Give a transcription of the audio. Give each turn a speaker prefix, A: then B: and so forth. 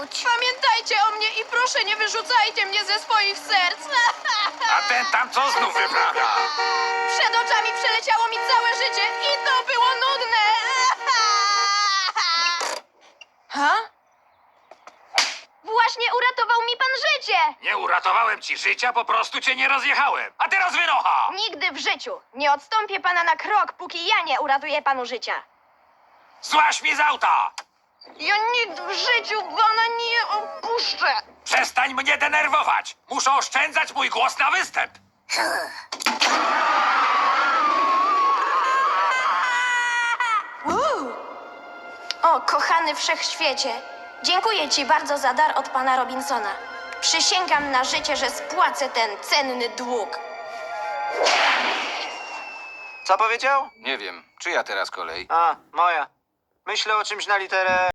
A: chodź.
B: Pamiętajcie o mnie i proszę nie wyrzucajcie mnie ze swoich serc.
C: A ten tam co znów wyprawia?
B: Przed oczami przeleciało mi całe życie i to było nudne. Ha?
A: Właśnie uratował mi pan życie.
C: Nie uratowałem ci życia, po prostu cię nie rozjechałem. A teraz wynocha!
A: Nigdy w życiu. Nie odstąpię pana na krok, póki ja nie uratuję panu życia.
C: Złaź mi z auta!
B: Ja nigdy w życiu pana nie opuszczę.
C: Przestań mnie denerwować! Muszę oszczędzać mój głos na występ!
A: O, kochany wszechświecie, dziękuję ci bardzo za dar od pana Robinsona. Przysięgam na życie, że spłacę ten cenny dług.
D: Co powiedział?
E: Nie wiem, czyja teraz kolej?
D: A, moja. Myślę o czymś na literę